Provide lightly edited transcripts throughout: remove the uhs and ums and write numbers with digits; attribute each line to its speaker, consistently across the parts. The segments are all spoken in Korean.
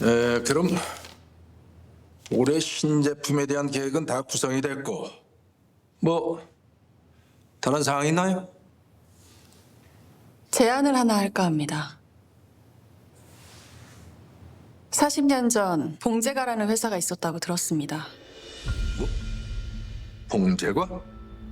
Speaker 1: 그럼 올해 신제품에 대한 계획은 다 구성이 됐고 뭐 다른 사항 있나요?
Speaker 2: 제안을 하나 할까 합니다. 40년 전 봉제가라는 회사가 있었다고 들었습니다.
Speaker 1: 봉제과?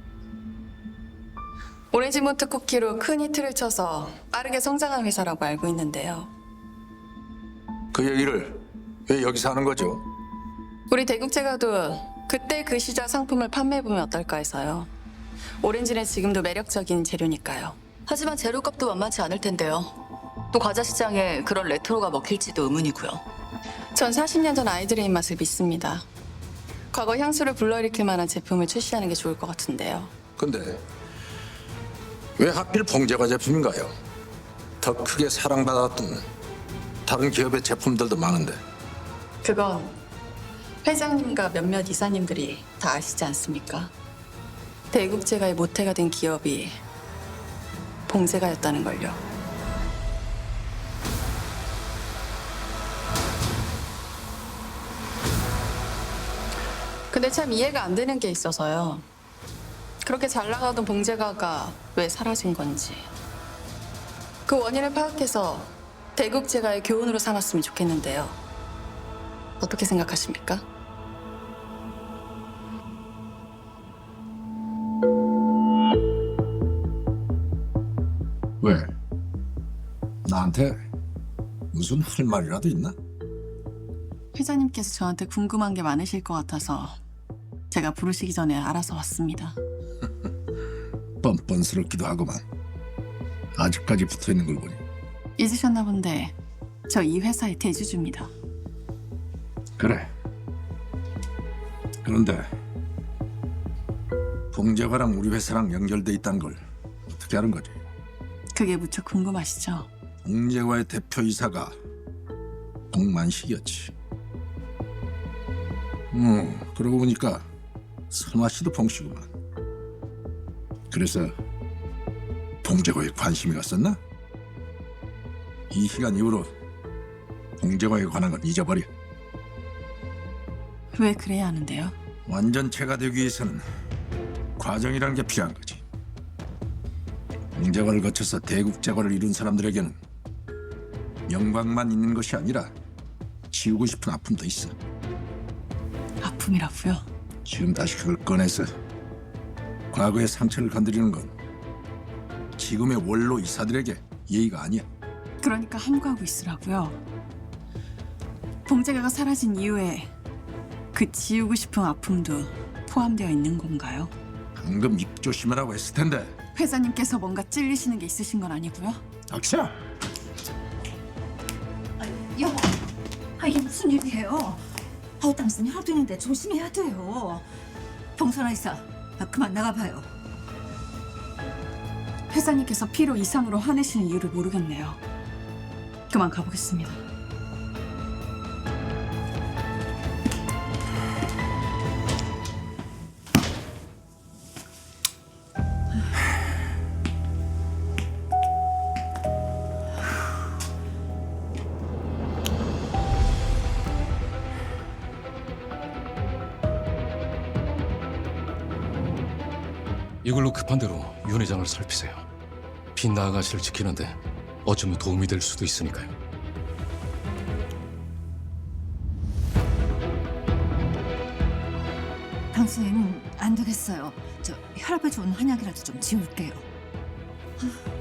Speaker 2: 오렌지몬트 쿠키로 큰 히트를 쳐서 빠르게 성장한 회사라고 알고 있는데요.
Speaker 1: 그 얘기를 왜 여기서 하는 거죠?
Speaker 2: 우리 대국제가도 그때 그 시절 상품을 판매해보면 어떨까 해서요. 오렌지는 지금도 매력적인 재료니까요.
Speaker 3: 하지만 재료값도 만만치 않을 텐데요. 또 과자 시장에 그런 레트로가 먹힐지도 의문이고요.
Speaker 2: 전 40년 전 아이들의 입맛을 믿습니다. 과거 향수를 불러일으킬 만한 제품을 출시하는 게 좋을 것 같은데요.
Speaker 1: 근데 왜 하필 봉제과 제품인가요? 더 크게 사랑받았던 다른 기업의 제품들도 많은데.
Speaker 2: 그건 회장님과 몇몇 이사님들이 다 아시지 않습니까? 대국제가의 모태가 된 기업이 봉제가였다는 걸요. 근데 참 이해가 안 되는 게 있어서요. 그렇게 잘 나가던 봉제가가 왜 사라진 건지. 그 원인을 파악해서 대국제가의 교훈으로 삼았으면 좋겠는데요. 어떻게 생각하십니까?
Speaker 1: 왜? 나한테 무슨 할 말이라도 있나?
Speaker 2: 회장님께서 저한테 궁금한 게 많으실 것 같아서 제가 부르시기 전에 알아서 왔습니다.
Speaker 1: 뻔뻔스럽기도 하고만. 아직까지 붙어있는 걸 보니.
Speaker 2: 잊으셨나 본데 저 이 회사의 대주주입니다.
Speaker 1: 그래. 그런데 봉제과랑 우리 회사랑 연결돼 있다는 걸 어떻게 아는 거지?
Speaker 2: 그게 무척 궁금하시죠?
Speaker 1: 봉제과의 대표이사가 동만식이었지. 그러고 보니까 선화 씨도 봉씨구만. 그래서 봉제과에 관심이 갔었나? 이 시간 이후로 봉제과에 관한 건 잊어버려.
Speaker 2: 왜 그래야 하는데요?
Speaker 1: 완전체가 되기 위해서는 과정이라는 게 필요한 거지. 봉제과를 거쳐서 대국제과를 이룬 사람들에게는 영광만 있는 것이 아니라 지우고 싶은 아픔도 있어.
Speaker 2: 아픔이라고요?
Speaker 1: 지금 다시 그걸 꺼내서 과거의 상처를 건드리는 건 지금의 원로 이사들에게 예의가 아니야.
Speaker 2: 그러니까 함구하고 있으라고요. 봉제가가 사라진 이후에 그 지우고 싶은 아픔도 포함되어 있는 건가요?
Speaker 1: 방금 입 조심하라고 했을 텐데.
Speaker 2: 회장님께서 뭔가 찔리시는 게 있으신 건 아니고요?
Speaker 1: 악샤!
Speaker 4: 여보, 이게 무슨 일이에요? 당신이 하도 있는데 조심해야 돼요. 봉선아 이사, 그만 나가봐요.
Speaker 2: 회장님께서 필요 이상으로 화내시는 이유를 모르겠네요. 그만 가보겠습니다.
Speaker 5: 이걸로 급한 대로 윤 회장을 살피세요. 빛나 아가씨를 지키는데 어쩌면 도움이 될 수도 있으니까요.
Speaker 4: 당신 안 되겠어요. 저 혈압에 좋은 한약이라도 좀 지울게요.